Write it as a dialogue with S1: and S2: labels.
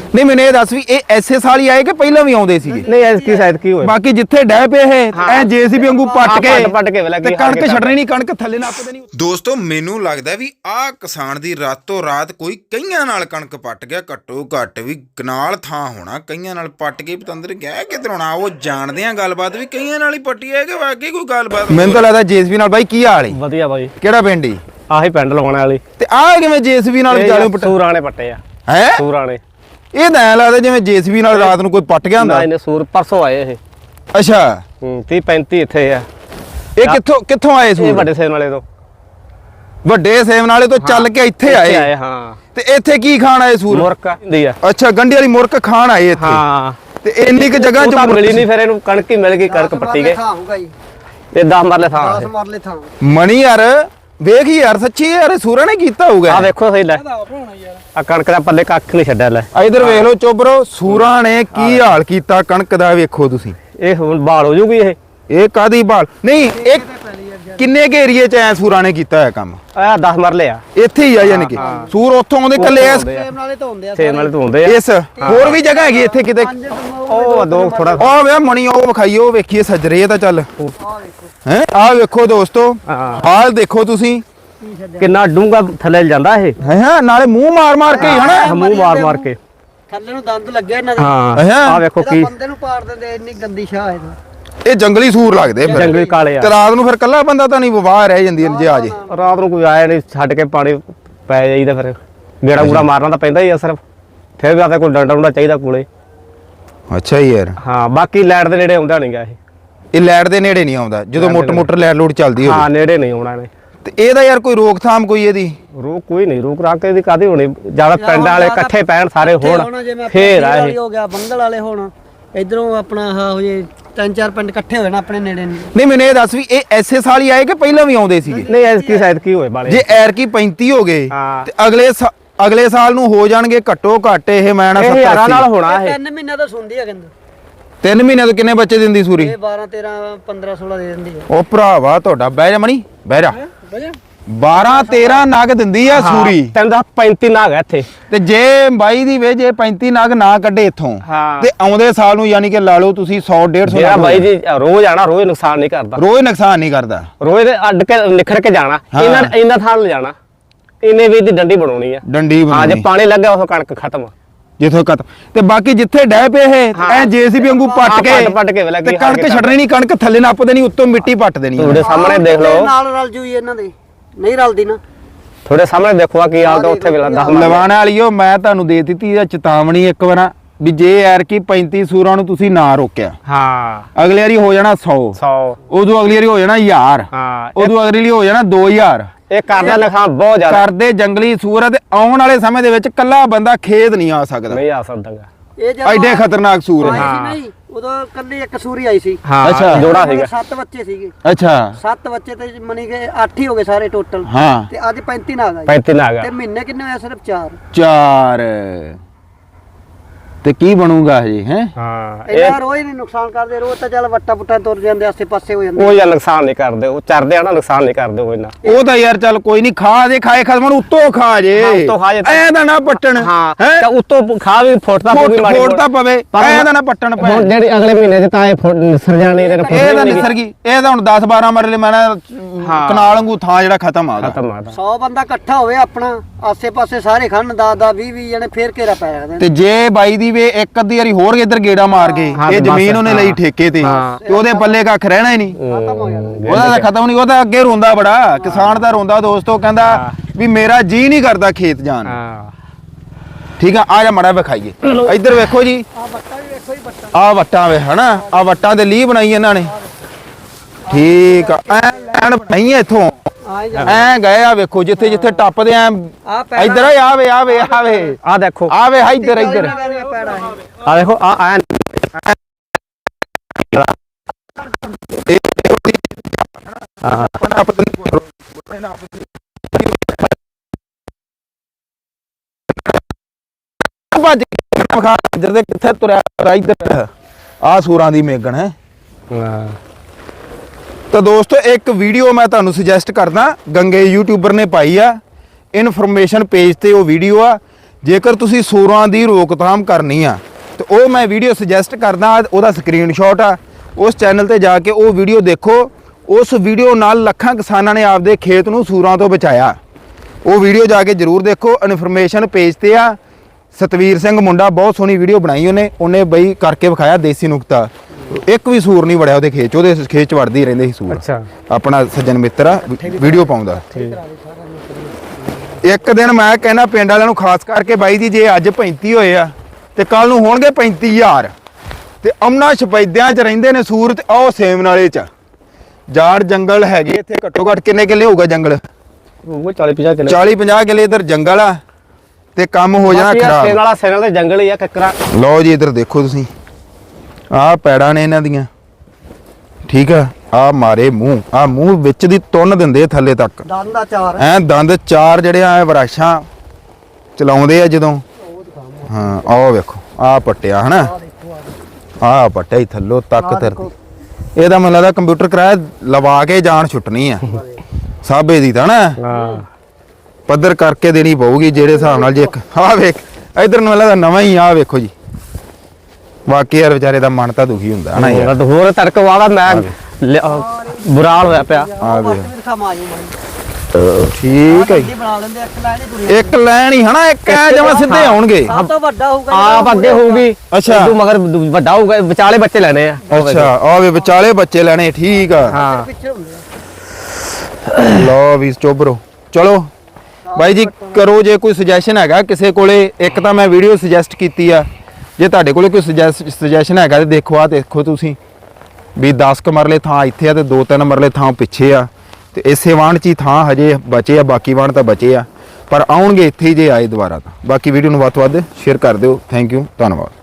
S1: नहीं मैंने ये दस भी ये ऐसे साल ही आए कि पहला भी आउंदे सीगे
S2: नहीं ऐसी शायद की होए
S1: बाकी जिथे डह पे है ਐ ਜੇਸੀਬੀ ਵਾਂਗੂ ਪੱਟ
S2: ਕੇ ਵੇਲਾ
S1: ਤੇ ਕਣਕ ਛੱਡਣੀ ਨਹੀਂ ਕਣਕ ਥੱਲੇ ਨੱਪਦੇ ਨਹੀਂ
S3: ਦੋਸਤੋ ਮੈਨੂੰ ਲੱਗਦਾ ਵੀ ਆਹ ਕਿਸਾਨ ਦੀ ਰਾਤੋਂ ਰਾਤ ਕੋਈ ਕਈਆਂ ਨਾਲ ਕਣਕ ਪੱਟ ਗਿਆ ਘੱਟੋ ਘੱਟ ਵੀ ਕਨਾਲ ਥਾਂ ਹੋਣਾ ਕਈਆਂ ਨਾਲ ਪੱਟ ਕੇ ਪਤੰਦਰ ਗਿਆ ਕਿਧਰੋਂ ਨਾ ਉਹ ਜਾਣਦੇ ਆ ਗੱਲਬਾਤ ਵੀ ਕਈਆਂ ਨਾਲ ਹੀ ਪੱਟੀ ਹੈ ਕਿ ਵਾਕਈ ਕੋਈ ਗੱਲਬਾਤ
S1: ਮੈਨੂੰ ਤਾਂ ਲੱਗਦਾ ਜੇਸੀਬੀ ਨਾਲ ਬਾਈ ਕੀ ਹਾਲ ਹੈ
S2: ਵਧੀਆ ਬਾਈ
S1: ਕਿਹੜਾ ਪਿੰਡ ਹੀ
S2: ਆਹੀ ਪਿੰਡ ਲਵਾਉਣ ਵਾਲੀ
S1: ਤੇ ਆਹ ਕਿਵੇਂ ਜੇਸੀਬੀ ਨਾਲ ਵਿਚਾਲੇ ਪੱਟ
S2: ਸੂਰਾਣੇ ਪੱਟੇ ਆ
S1: ਹੈ
S2: ਸੂਰਾਣੇ
S1: ਇਹ ਤਾਂ ਐ ਲੱਗਦਾ ਜਿਵੇਂ ਜੇਸੀਬੀ ਨਾਲ ਰਾਤ ਨੂੰ ਕੋਈ ਪੱਟ ਗਿਆ ਹੁੰਦਾ
S2: ਇਹਨੇ ਸੂਰ ਪਰਸੋਂ ਆਏ ਇਹ
S1: ਅੱਛਾ
S2: 30 35 ਇੱਥੇ ਆ
S1: ਇਹ ਕਿੱਥੋਂ ਆਏ
S2: ਇਹ
S1: ਸੂਰ
S2: ਵੱਡੇ ਸੇਮ ਵਾਲੇ ਤੋਂ
S1: ਵੱਡੇ ਸੇਮ ਨਾਲੇ ਤੋਂ ਚੱਲ ਕੇ ਇੱਥੇ ਆਏ
S2: ਹਾਂ
S1: ਤੇ ਇੱਥੇ ਕੀ ਖਾਣ ਆਏ ਸੂਰ
S2: ਮੁਰਕਾ ਹੁੰਦੀ ਆ
S1: ਅੱਛਾ ਗੰਢੀ ਵਾਲੀ ਮੁਰਕ ਖਾਣ ਆਏ ਇੱਥੇ
S2: ਹਾਂ
S1: ਤੇ ਇੰਨੀ ਕੁ ਜਗ੍ਹਾ
S2: ਉਹ
S1: ਚ
S2: ਤਾਂ ਮਿਲੀ ਨਹੀਂ ਫਿਰ ਇਹਨੂੰ ਕਣਕ ਹੀ ਮਿਲ ਗਈ ਕਣਕ ਪੱਟੀ ਗਏ ਤੇ 10 ਮਰਲੇ ਥਾਂ
S4: 10 ਮਰਲੇ ਥਾਂ
S1: ਮਣੀ ਯਾਰ ਵੇਖ ਯਾਰ ਸੱਚੀ ਯਾਰ ਸੂਰਾਂ ਨੇ ਕੀਤਾ ਹੋਊਗਾ
S2: ਆ ਵੇਖੋ ਸਹੀ ਲੈ ਆ ਕਣਕ ਦਾ ਪੱਲੇ ਕੱਖ ਨਹੀਂ ਛੱਡਿਆ ਲੈ
S1: ਇਧਰ ਵੇਖ ਲਓ ਚੋਬਰੋ ਸੂਰਾਂ ਨੇ ਕੀ ਹਾਲ ਕੀਤਾ ਕਣਕ ਦਾ ਵੇਖੋ ਤੁਸੀਂ
S2: ਇਹ ਹੁਣ ਬਾਲ ਹੋ ਜੂਗੀ ਇਹ
S1: ਕਾਦੀ ਬਾਲ ਨਹੀਂ ਇਹ ਕਿੰਨੇ ਕੇ ਏਰੀਏ ਚ ਐ ਸੂਰਾਂ ਨੇ ਕੀਤਾ ਹੈ ਕੰਮ
S2: ਆ 10 ਮਰਲੇ ਆ
S1: ਇੱਥੇ ਹੀ ਆ ਯਾਨੀ ਕਿ ਸੂਰ ਉੱਥੋਂ ਆਉਂਦੇ ਕੱਲੇ ਐ
S4: ਸੇਮ ਨਾਲੇ ਤੋਂ ਹੁੰਦੇ ਆ
S2: ਸੇਮ ਵਾਲੇ ਤੋਂ ਹੁੰਦੇ ਆ
S1: ਇਸ ਹੋਰ ਵੀ ਜਗ੍ਹਾ ਹੈਗੀ ਇੱਥੇ ਕਿਤੇ
S2: ਉਹ ਦੋ ਥੋੜਾ
S1: ਉਹ ਵੇ ਮਣੀ ਉਹ ਵਿਖਾਈ ਉਹ ਵੇਖੀਏ ਸਜਰੇ ਤਾਂ ਚੱਲ ਹੈ ਆ ਵੇਖੋ ਦੋਸਤੋ ਹਾਲ ਦੇਖੋ ਤੁਸੀਂ
S2: ਕਿੰਨਾ ਡੂੰਗਾ ਥੱਲੇ ਜਾਂਦਾ ਇਹ
S1: ਹੈ ਨਾਲੇ ਮੂੰਹ ਮਾਰ ਕੇ ਹੀ ਹਨਾ
S2: ਮੂੰਹ ਮਾਰ ਕੇ
S4: ਥੱਲੇ ਨੂੰ ਦੰਦ ਲੱਗੇ ਇਹਨਾਂ ਦੇ
S2: ਹਾਂ ਆ ਵੇਖੋ ਕੀ
S4: ਬੰਦੇ ਨੂੰ ਪਾੜ ਦਿੰਦੇ ਇੰਨੀ ਗੰਦੀ ਸ਼ਾਹ ਇਹਦਾ
S1: ਇਹ ਜੰਗਲੀ ਸੂਰ ਲੱਗਦੇ ਫਿਰ
S2: ਜੰਗਲੀ ਕਾਲੇ ਆ
S1: ਤੇ ਰਾਤ ਨੂੰ ਫਿਰ ਕੱਲਾ ਬੰਦਾ ਤਾਂ ਨਹੀਂ ਵਵਾਹ ਰਹਿ ਜਾਂਦੀ ਜੇ ਆ ਜੇ
S2: ਰਾਤ ਨੂੰ ਕੋਈ ਆਇਆ ਨਹੀਂ ਛੱਡ ਕੇ ਪਾਣੀ ਪੈ ਜਾਈਦਾ ਫਿਰ ਗੇੜਾ ਗੂੜਾ ਮਾਰਨਾ ਤਾਂ ਪੈਂਦਾ ਹੀ ਆ ਸਿਰਫ ਫਿਰ ਵੀ ਆਤੇ ਕੋਈ ਡੰਡਾ ਡੁੰਡਾ ਚਾਹੀਦਾ ਕੋਲੇ
S1: ਅੱਛਾ ਯਾਰ
S2: ਹਾਂ ਬਾਕੀ ਲਾਈਟ ਦੇ ਨੇੜੇ ਆਉਂਦਾ ਨਹੀਂਗਾ
S1: ਇਹ ਲਾਈਟ ਦੇ ਨੇੜੇ ਨਹੀਂ ਆਉਂਦਾ ਜਦੋਂ ਮੋਟਰ ਲਾਈਟ ਲੋਡ ਚੱਲਦੀ ਹੋਵੇ
S2: ਹਾਂ ਨੇੜੇ ਨਹੀਂ ਆਉਣਾ ਨੇ
S1: ਤੇ ਇਹਦਾ ਯਾਰ ਕੋਈ ਰੋਕਥਾਮ ਕੋਈ ਇਹਦੀ
S2: ਰੋਕ ਕੋਈ ਨਹੀਂ ਰੋਕ ਰਾਕ ਇਹਦੀ ਕਾਦੀ ਹੋਣੀ ਜਿਆਦਾ ਪਿੰਡਾਂ ਵਾਲੇ ਇਕੱਠੇ ਪੈਣ ਸਾਰੇ ਹੋਣ ਫੇਰ ਆ ਇਹ
S4: ਹੋ ਗਿਆ ਬੰਗਲ ਵਾਲੇ ਹੋਣ ਇਧਰੋਂ ਆਪਣਾ ਆਹ ਹੋ ਜੇ 3-4 ਪਿੰਡ ਇਕੱਠੇ ਹੋਏ ਨਾ ਆਪਣੇ ਨੇੜੇ
S1: ਨਹੀਂ ਮੈਨੂੰ ਇਹ ਦੱਸ ਵੀ ਇਹ ਐਸੇ ਸਾਲ ਹੀ ਆਏ ਕਿ ਪਹਿਲਾਂ ਵੀ ਆਉਂਦੇ ਸੀਗੇ
S2: ਨਹੀਂ ਐਸਕੀ ਸ਼ਾਇਦ ਕੀ ਹੋਏ ਬਾਲੇ
S1: ਜੇ ਐਰ ਕੀ 35 ਹੋ ਗਏ
S2: ਹਾਂ।
S1: ਤੇ ਅਗਲੇ ਸਾਲ ਨੂੰ ਹੋ ਜਾਣਗੇ ਘੱਟੋ ਘੱਟ ਇਹ ਮੈਂ ਨਾ
S2: 70 ਹਜ਼ਾਰਾਂ ਨਾਲ ਹੋਣਾ ਇਹ
S4: 3 ਮਹੀਨਾ ਤਾਂ ਸੁਣਦੀ ਆ ਕਹਿੰਦਾ
S1: 3 ਮਹੀਨੇ ਤੋਂ ਕਿੰਨੇ ਬੱਚੇ ਦਿੰਦੀ ਸੂਰੀ
S4: ਇਹ 12-13 15-16 ਦੇ ਦਿੰਦੀ ਆ
S1: ਉਹ ਭਰਾਵਾ ਤੁਹਾਡਾ ਬਹਿ ਜਾ ਮਣੀ ਬਹਿ ਜਾ 12-13 ਨਗ ਦਿੰਦੀ ਆ ਸੂਰੀ
S2: ਤੈਨੂੰ ਦਾ 35 ਨਾਗ ਹੈ ਇੱਥੇ
S1: ਤੇ ਜੇ ਬਾਈ ਦੀ ਵੇ ਜੇ 35 ਨਗ ਨਾ ਕੱਢੇ ਇੱਥੋਂ
S2: ਹਾਂ।
S1: ਤੇ ਆਉਂਦੇ ਸਾਲ ਨੂੰ ਯਾਨੀ ਕਿ ਲਾ ਲਓ ਤੁਸੀਂ 100-150
S2: ਜਿਹੜਾ ਬਾਈ ਜੀ ਰੋਜ਼ ਆਣਾ ਰੋਜ਼ ਨੁਕਸਾਨ ਨਹੀਂ ਕਰਦਾ
S1: ਰੋਜ਼ ਨੁਕਸਾਨ ਨਹੀਂ ਕਰਦਾ
S2: ਰੋਜ਼ ਦੇ ਅੱਡ ਕੇ ਨਿਖੜ ਕੇ ਜਾਣਾ ਇਹਨਾਂ ਥਾਂ ਲਿਜਾਣਾ ਇਹਨੇ ਵੀ ਦੀ ਡੰਡੀ ਬਣਾਉਣੀ ਆ
S1: ਡੰਡੀ
S2: ਹਾਂ ਜੇ
S1: ਬਣਾਉਣੀ
S2: ਪਾਣੀ ਲੱਗਾ ਉਹ ਕਣਕ ਖਤਮ
S1: ਜਿੱਥੋਂ ਕਤ ਤੇ ਬਾਕੀ ਜਿੱਥੇ ਡਹਿ ਪਏ ਇਹ ਐ ਜੇਸੀਬੀ ਵਾਂਗੂ ਪੱਟ ਕੇ
S2: ਵੇਲਾ
S1: ਤੇ ਕਣਕ ਛੱਡਣੀ ਨਹੀਂ ਕਣਕ ਥੱਲੇ ਨੱਪ ਦੇਣੀ ਉੱਤੋਂ ਮਿੱਟੀ ਪੱਟ ਦੇਣੀ
S2: ਤੁਹਾਡੇ ਸਾਹਮਣੇ ਦੇਖ ਲਓ
S4: ਨਾਲ ਰਲ ਜੂਈ ਇਹਨਾਂ ਦੇ ਨਹੀਂ ਰਲਦੀ ਨਾ
S2: ਤੁਹਾਡੇ ਸਾਹਮਣੇ ਦੇਖੋ ਕੀ ਹਾਲ ਤਾਂ ਉੱਥੇ ਵੇਲਾ 10
S1: ਲਵਾਣ ਵਾਲੀਓ ਮੈਂ ਤੁਹਾਨੂੰ ਦੇ ਦਿੱਤੀ ਆ ਚੇਤਾਵਨੀ ਇੱਕ ਵਾਰ ਵੀ ਜੇ ਐਰ ਕੀ 35 ਸੂਰਾਂ ਨੂੰ ਤੁਸੀਂ ਨਾ ਰੋਕਿਆ
S2: ਹਾਂ
S1: ਅਗਲੀ ਵਾਰੀ ਹੋ ਜਾਣਾ 100 ਉਦੋਂ ਅਗਲੀ ਵਾਰੀ ਹੋ ਜਾਣਾ 1000
S2: ਹਾਂ
S1: ਉਦੋਂ ਅਗਲੀ ਵਾਰੀ ਹੋ ਜਾਣਾ 2000
S2: ਇਹ ਕਰਦਾ ਨੁਕਸਾਨ ਬਹੁਤ ਜ਼ਿਆਦਾ
S1: ਕਰਦੇ ਜੰਗਲੀ ਸੂਰ ਆ ਤੇ ਆਉਣ ਵਾਲੇ ਸਮੇਂ ਦੇ ਵਿੱਚ ਕੱਲਾ ਬੰਦਾ ਖੇਤ ਨਹੀਂ ਆ ਸਕਦਾ
S2: ਨਹੀਂ ਆ ਸਕਦਾਗਾ
S4: ਇਹ ਜਦੋਂ
S1: ਐਡੇ ਖਤਰਨਾਕ ਸੂਰ
S4: ਆਈ
S1: ਹੈ
S4: ਸੀ ਨਹੀਂ ਉਦੋਂ ਕੱਲੀ ਇੱਕ ਸੂਰੀ ਆਈ ਸੀ
S2: ਹਾਂ
S1: ਅੱਛਾ।
S2: ਜੋੜਾ ਸੀਗਾ
S4: 7 ਬੱਚੇ ਸੀਗੇ
S1: ਅੱਛਾ
S4: 7 ਬੱਚੇ ਤੇ ਮਨੀ ਗਏ 8 ਹੀ ਹੋ ਗਏ ਸਾਰੇ ਟੋਟਲ
S1: ਹਾਂ
S4: ਤੇ ਅੱਜ 35 ਨਾਗ ਆਏ
S2: 35 ਨਾਗ ਆ
S4: ਤੇ ਮਹੀਨੇ ਕਿੰਨੇ ਹੋਇਆ ਸਿਰਫ 4
S1: 4 ਤੇ ਕੀ ਬਣੂਗਾ ਹਜੇ ਹੈ
S2: ਹਾਂ
S4: ਇਹਨਾਂ ਰੋਜ਼ ਨਹੀਂ ਨੁਕਸਾਨ ਕਰਦੇ ਰੋਜ਼ ਤਾਂ ਚੱਲ ਵੱਟਾ ਪੁੱਟਾ ਤੁਰ ਜਾਂਦੇ ਆਸੇ ਪਾਸੇ ਹੋ ਜਾਂਦੇ
S2: ਉਹ ਜਾਂ ਨੁਕਸਾਨ ਨਹੀਂ ਕਰਦੇ ਉਹ ਚਰਦੇ ਆ ਨਾ ਨੁਕਸਾਨ ਨਹੀਂ ਕਰਦੇ ਉਹ ਇਹਨਾਂ
S1: ਉਹ ਤਾਂ ਯਾਰ ਚੱਲ ਕੋਈ ਨਹੀਂ ਖਾ ਦੇ ਖਾਏ ਖਸਮ ਨੂੰ ਉੱਤੋਂ ਖਾ ਜੇ
S2: ਹਾਂ, ਉੱਤੋਂ ਖਾ ਜੇ ਤਾਂ-
S1: ਐ ਤਾਂ ਨਾ ਪੱਟਣ
S2: ਹਾਂ
S1: ਹੈਂ?
S2: ਤੇ ਉੱਤੋਂ ਖਾ ਵੀ ਫੁੱਟਦਾ ਪੂਰੀ ਮਾੜੀ
S1: ਫੋੜ ਤਾਂ ਪਵੇ ਐ ਤਾਂ ਨਾ ਪੱਟਣ ਪੈ
S2: ਹੁਣ ਜਿਹੜੀ ਅਗਲੇ ਮਹੀਨੇ ਚ ਤਾਂ ਇਹ ਨਿਸਰ ਜਾਣੀ ਇਹਦੇ
S1: ਇਹ ਤਾਂ ਨਿਸਰ ਗਈ ਇਹ ਤਾਂ ਹੁਣ 10-12 ਮਰਲੇ ਮੈਂ ਨਾ ਕਨਾਲ ਵਾਂਗੂ ਥਾਂ ਜਿਹੜਾ ਖਤਮ ਆ ਉਹਦਾ।
S2: ਖਤਮ ਆ
S4: 100 ਬੰਦਾ ਇਕੱਠਾ ਹੋਵੇ ਆਪਣਾ ਆਸੇ ਪਾਸੇ ਸਾਰੇ ਖੰਨ 10-10 20-20 ਜਣੇ ਫੇਰ ਘੇਰਾ ਪੈ ਰੱਖਦੇ
S1: ਤੇ ਜੇ ਬਾਈ ਦੀ ਵੇ ਇੱਕ ਅੱਧੀ ਵਾਰੀ ਹੋਰ ਇੱਧਰ ਗੇੜਾ ਮਾਰ ਗਏ
S2: ਹਾਂ,
S1: ਇਹ
S2: ਬਸ,
S1: ਜ਼ਮੀਨ ਉਹਨੇ ਲਈ
S2: ਹਾਂ।
S1: ਠੇਕੇ ਤੇ ਤੇ ਉਹਦੇ ਪੱਲੇ ਕੱਖ ਰਹਿਣਾ ਹੀ ਨਹੀਂ
S4: ਖਤਮ ਹੋ ਜਾਣਾ
S1: ਉਹਦਾ ਤਾਂ ਖਤਮ ਨਹੀਂ ਉਹਦਾ ਅੱਗੇ ਰੋਂਦਾ ਬੜਾ ਕਿਸਾਨ ਦਾ ਰੋਂਦਾ ਦੋਸਤੋ ਕਹਿੰਦਾ ਵੀ ਮੇਰਾ ਜੀ ਨਹੀਂ ਕਰਦਾ ਖੇਤ ਜਾਣ ਨੂੰ।
S2: ਹਾਂ
S1: ਠੀਕ ਆ ਜਾ ਮੜਾ ਵਿਖਾਈਏ ਇੱਧਰ ਵੇਖੋ ਜੀ
S4: ਆ ਬੱਟਾ ਵੀ ਵੇਖੋ ਹੀ ਬੱਟਾ
S1: ਆ ਵੱਟਾਂ ਵੇ ਹਨਾ ਆ ਵੱਟਾਂ ਦੇ ਲੀ ਬਣਾਈ ਇਹਨਾਂ ਨੇ ਠੀਕ ਆ ਐਨ ਬਣਾਈ ਇੱਥੋਂ
S4: ਆਏ
S1: ਐ ਗਏ ਆ ਵੇਖੋ ਜਿੱਥੇ ਜਿੱਥੇ ਟੱਪਦੇ ਆ
S4: ਆ
S1: ਇੱਧਰ ਆਵੇ
S2: ਆ ਦੇਖੋ
S1: ਆਵੇ ਇੱਧਰ ਇੱਧਰ
S4: ਪੈੜਾ ਹੈ
S2: ਆ ਦੇਖੋ ਆ ਆ
S1: ਭੱਜ ਇੱਧਰ ਦੇ ਕਿੱਥੇ ਤੁਰਿਆ ਇੱਧਰ ਆ ਸੂਰਾਂ ਦੀ ਮੇਗਣ ਹੈ ਤਾਂ ਦੋਸਤੋ ਇੱਕ ਵੀਡੀਓ ਮੈਂ ਤੁਹਾਨੂੰ ਸੁਜੈਸਟ ਕਰਦਾ ਗੰਗੇ ਯੂਟਿਊਬਰ ਨੇ ਪਾਈ ਆ ਇਨਫੋਰਮੇਸ਼ਨ ਪੇਜ ਤੇ ਉਹ ਵੀਡੀਓ ਆ ਜੇਕਰ ਤੁਸੀਂ ਸੂਰਾਂ ਦੀ ਰੋਕਥਾਮ ਕਰਨੀ ਆ ਤੇ ਉਹ ਮੈਂ ਵੀਡੀਓ ਸੁਜੈਸਟ ਕਰਦਾ, ਉਹਦਾ ਸਕਰੀਨਸ਼ਾਟ ਆ, ਉਸ ਚੈਨਲ ਤੇ ਜਾ ਕੇ ਉਹ ਵੀਡੀਓ ਦੇਖੋ। ਉਸ ਵੀਡੀਓ ਨਾਲ ਲੱਖਾਂ ਕਿਸਾਨਾਂ ਨੇ ਆਪਦੇ ਖੇਤ ਨੂੰ ਸੂਰਾਂ ਤੋਂ ਬਚਾਇਆ। ਉਹ ਵੀਡੀਓ ਜਾ ਕੇ ਜ਼ਰੂਰ ਦੇਖੋ। ਇਨਫੋਰਮੇਸ਼ਨ ਪੇਜ ਤੇ ਆ। ਸਤਵੀਰ ਸਿੰਘ ਮੁੰਡਾ ਬਹੁਤ ਸੋਹਣੀ ਵੀਡੀਓ ਬਣਾਈ ਉਹਨੇ ਬਈ ਕਰਕੇ ਵਿਖਾਇਆ ਦੇਸੀ ਨੁਕਤਾ। ਇੱਕ ਵੀ ਸੂਰ ਨਹੀਂ ਵੜਿਆ ਉਹਦੇ ਖੇਤ 'ਚ, ਉਹਦੇ ਖੇਤ 'ਚ ਵੜਦੇ ਹੀ ਰਹਿੰਦੇ ਸੀ ਸੂਰ।
S2: ਅੱਛਾ,
S1: ਆਪਣਾ ਸੱਜਣ ਮਿੱਤਰ ਆ, ਵੀਡੀਓ ਪਾਉਂਦਾ। ਇੱਕ ਦਿਨ ਮੈਂ ਕਹਿੰਦਾ ਪਿੰਡ ਵਾਲਿਆਂ ਨੂੰ ਖਾਸ ਕਰਕੇ ਬਾਈ ਜੀ, ਜੇ ਅੱਜ 35 ਹੋਏ ਆ ਤੇ ਕੱਲ ਨੂੰ ਹੋਣਗੇ 35000 ਤੇ ਅਮਨਾ ਸ਼ਪੈਦਿਆਂ 'ਚ ਰਹਿੰਦੇ ਨੇ ਸੂਰ ਤੇ ਉਹ ਸੇਮ ਨਾਲੇ 'ਚ ਜਾੜ ਜੰਗਲ ਹੈਗੇ ਇੱਥੇ। ਘੱਟੋ ਘੱਟ ਕਿੰਨੇ ਕਿੱਲੇ ਹੋਊਗਾ ਜੰਗਲ?
S2: ਉਹ 40-50 ਕਿੱਲੇ
S1: 40-50 ਕਿੱਲੇ ਇਧਰ ਜੰਗਲ ਆ ਤੇ ਕੰਮ ਹੋ ਜਾਣਾ
S2: ਸੇਨ
S1: ਖਰਾਬ।
S2: ਵਾਲਾ ਸੇਨ ਦੇ ਜੰਗਲ ਹੀ ਆ ਕੱਕਰਾ।
S1: ਲਓ ਜੀ ਇਧਰ ਦੇਖੋ ਤੁਸੀਂ, ਆਹ ਪੈੜਾਂ ਨੇ ਇਹਨਾਂ ਦੀਆਂ, ਠੀਕ ਆ। ਆਹ ਮਾਰੇ ਮੂੰਹ, ਆਹ ਮੂੰਹ ਵਿੱਚ ਦੀ ਤੁੰਨ ਦਿੰਦੇ ਥੱਲੇ ਤੱਕ।
S4: ਦੰਦ ਦਾ ਚਾਰ
S1: ਐ ਦੰਦ ਚਾਰ ਜਿਹੜੇ ਆ ਵਰਾਸ਼ਾਂ ਚਲਾਉਂਦੇ ਆ ਜਦੋਂ। ਹਾਂ ਆਹ ਵੇਖੋ, ਆਹ ਪੱਟਿਆ ਹਨਾ, ਆਹ ਪੱਟਿਆ ਹੀ ਥੱਲੋਂ ਤੱਕ ਧਰਤੀ। ਇਹਦਾ ਮੈਨੂੰ ਲੱਗਦਾ ਕੰਪਿਊਟਰ ਕਿਰਾਇਆ ਲਵਾ ਕੇ ਜਾਨ ਛੁੱਟਣੀ ਆ ਸਾਬੇ ਦੀ ਤਾਂ ਨਾ,
S2: ਹਾਂ
S1: ਪੱਧਰ ਕਰਕੇ ਦੇਣੀ ਪਊਗੀ ਜਿਹੜੇ ਹਿਸਾਬ ਨਾਲ। ਜੇ ਆਹ ਵੇਖ ਇਧਰ ਨੂੰ ਲੱਗਦਾ ਨਵਾਂ ਹੀ। ਆਹ ਵੇਖੋ ਜੀ, ਵਾਕਈ ਯਾਰ ਵਿਚਾਰੇ ਦਾ ਮਨ ਤਾਂ ਦੁਖੀ ਹੁੰਦਾ ਹਨਾ ਯਾਰ।
S2: ਹੋਰ ਤੜਕ ਵਾਲਾ ਮੈਂ ਬੁਰਾ ਹਾਲ ਹੋਇਆ ਪਿਆ।
S1: ਆ ਵੇਖ
S4: ਦਿਖਾਵਾਂ ਜੀ ਮੈਂ
S1: ਠੀਕ ਹੈ ਜੀ।
S4: ਬਣਾ ਲੈਂਦੇ ਇੱਕ ਲਾਈਨ ਹੀ ਤੁਰੀ
S1: ਇੱਕ ਲੈਣ ਹੀ ਹਨਾ, ਇੱਕ ਐ ਜਮਾ ਸਿੱਧੇ ਆਉਣਗੇ।
S4: ਸਭ ਤੋਂ ਵੱਡਾ ਹੋਊਗਾ
S2: ਆਪ ਅੱਗੇ ਹੋਊਗੀ,
S1: ਅੱਛਾ।
S2: ਤੂੰ ਮਗਰ ਵੱਡਾ ਹੋਊਗਾ, ਵਿਚਾਲੇ ਬੱਚੇ ਲੈਣੇ ਆ।
S1: ਅੱਛਾ ਆਹ ਵੇ ਵਿਚਾਲੇ ਬੱਚੇ ਲੈਣੇ, ਠੀਕ ਆ।
S2: ਹਾਂ
S4: ਪਿੱਛੇ ਹੁੰਦੇ ਆ।
S1: ਲਓ ਵੀ ਚੋਬਰੋ, ਚਲੋ ਬਾਈ ਜੀ ਕਰੋ ਜੇ ਕੋਈ ਸੁਜੈਸ਼ਨ ਹੈਗਾ ਕਿਸੇ ਕੋਲੇ। ਇੱਕ ਤਾਂ ਮੈਂ ਵੀਡੀਓ ਸੁਜੈਸਟ ਕੀਤੀ ਆ, ਜੇ ਤੁਹਾਡੇ ਕੋਲੇ ਕੋਈ ਸੁਜੈਸ਼ਨ ਹੈਗਾ ਤੇ ਦੇਖੋ। ਆ ਦੇਖੋ ਤੁਸੀਂ ਵੀ 10 ਕੁ ਮਰਲੇ ਥਾਂ ਇੱਥੇ ਆ ਤੇ 2-3 ਮਰਲੇ ਥਾਂ ਪਿੱਛੇ ਆ ਤੇ ਇਸੇ ਵਾਣ 'ਚ ਹੀ ਥਾਂ ਹਜੇ ਬਚੇ ਆ, ਬਾਕੀ ਵਾਣ ਤਾਂ ਬਚੇ ਆ ਪਰ ਆਉਣਗੇ ਇੱਥੇ ਹੀ ਜੇ ਆਏ ਦੁਬਾਰਾ ਤਾਂ। ਬਾਕੀ ਵੀਡੀਓ ਨੂੰ ਵੱਧ ਤੋਂ ਵੱਧ ਸ਼ੇਅਰ ਕਰ ਦਿਓ। ਥੈਂਕ ਯੂ, ਧੰਨਵਾਦ।